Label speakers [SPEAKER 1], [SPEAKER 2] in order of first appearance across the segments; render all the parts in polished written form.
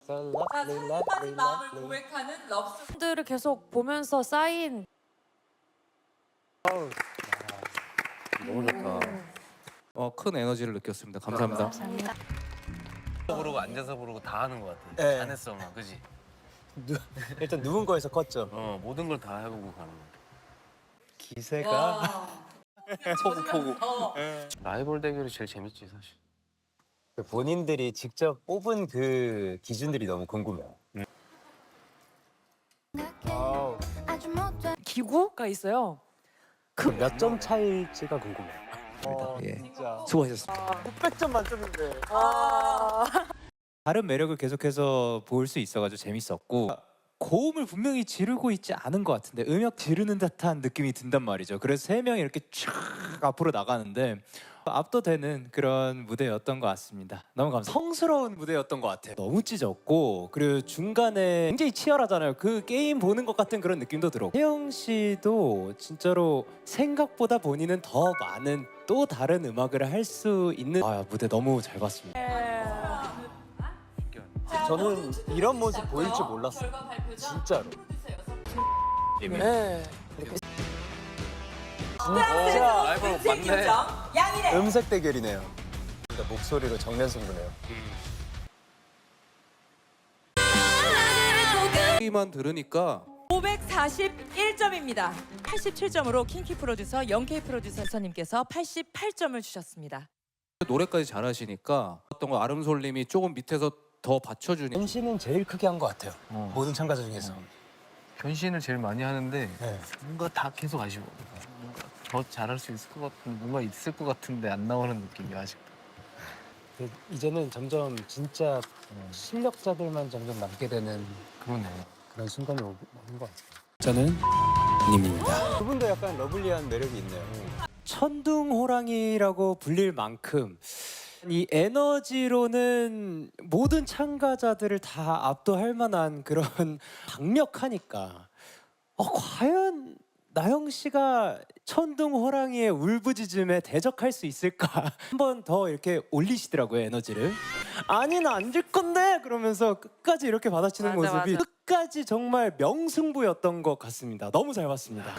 [SPEAKER 1] 자, 사랑받은 마음을 고백하는 럽스.
[SPEAKER 2] 들을 계속 보면서 쌓인
[SPEAKER 3] 너무 좋다. 큰 에너지를 느꼈습니다. 감사합니다.
[SPEAKER 2] 감사합니다.
[SPEAKER 4] 부르고 앉아서 부르고 다 하는 것 같아.
[SPEAKER 5] 네.
[SPEAKER 4] 잘했어, 막 그지?
[SPEAKER 5] 일단 누운 거에서 컸죠.
[SPEAKER 4] 모든 걸 다 해보고 가는 거.
[SPEAKER 5] 기세가
[SPEAKER 4] 포구. 라이벌 대결이 제일 재밌지 사실.
[SPEAKER 5] 본인들이 직접 뽑은 그 기준들이 너무 궁금해요.
[SPEAKER 2] 기구가 있어요.
[SPEAKER 5] 그 몇 점 차일지가 궁금해요.
[SPEAKER 3] 예.
[SPEAKER 5] 진짜.
[SPEAKER 3] 수고하셨습니다.
[SPEAKER 5] 900점 만점인데.
[SPEAKER 6] 다른 매력을 계속해서 볼 수 있어가지고 재밌었고 고음을 분명히 지르고 있지 않은 것 같은데 음역 지르는 듯한 느낌이 든단 말이죠. 그래서 세 명이 이렇게 쫙 앞으로 나가는데 압도되는 그런 무대였던 것 같습니다. 너무 감사합니다. 성스러운 무대였던 것 같아요. 너무 찢었고 그리고 중간에 굉장히 치열하잖아요. 그 게임 보는 것 같은 그런 느낌도 들었고 혜영 씨도 진짜로 생각보다 본인은 더 많은 또 다른 음악을 할 수 있는 무대 너무 잘 봤습니다.
[SPEAKER 5] 저는 이런 모습 보일 줄 몰랐어요. 진짜로.
[SPEAKER 2] 네.
[SPEAKER 5] 진짜
[SPEAKER 4] 라이벌 맞네.
[SPEAKER 1] 양이래.
[SPEAKER 5] 음색 대결이네요. 그러니까 목소리로 정면 승부네요.
[SPEAKER 3] 소리만 들으니까
[SPEAKER 1] 541점입니다. 87점으로 킹키 프로듀서, 영케이 프로듀서님께서 88점을 주셨습니다.
[SPEAKER 3] 노래까지 잘하시니까 어떤 거 아름솔님이 조금 밑에서 더 받쳐주니
[SPEAKER 5] 변신은 제일 크게 한 것 같아요. 모든 참가자 중에서.
[SPEAKER 4] 변신을 제일 많이 하는데
[SPEAKER 5] 네.
[SPEAKER 4] 뭔가 다 계속 아쉬워. 뭔가 더 잘할 수 있을 것 같은 뭔가 있을 것 같은데 안 나오는 느낌이 아직도.
[SPEAKER 5] 이제는 점점 진짜 실력자들만 점점 남게 되는
[SPEAKER 4] 그러네.
[SPEAKER 5] 그런 순간이 오는 것 같아요.
[SPEAKER 6] 저는 님입니다.
[SPEAKER 5] 두 분도 약간 러블리한 매력이 있네요.
[SPEAKER 6] 천둥호랑이라고 불릴 만큼 이 에너지로는 모든 참가자들을 다 압도할 만한 그런 강력하니까 과연 나영 씨가 천둥호랑이의 울부짖음에 대적할 수 있을까? 한 번 더 이렇게 올리시더라고요, 에너지를. 아니 나 안 질 건데 그러면서 끝까지 이렇게 받아치는
[SPEAKER 2] 맞아,
[SPEAKER 6] 모습이
[SPEAKER 2] 맞아.
[SPEAKER 6] 끝까지 정말 명승부였던 것 같습니다. 너무 잘 봤습니다.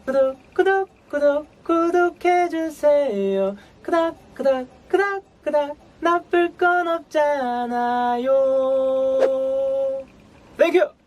[SPEAKER 6] 구독해주세요. 그닥 나쁠 건 없잖아요. 땡큐.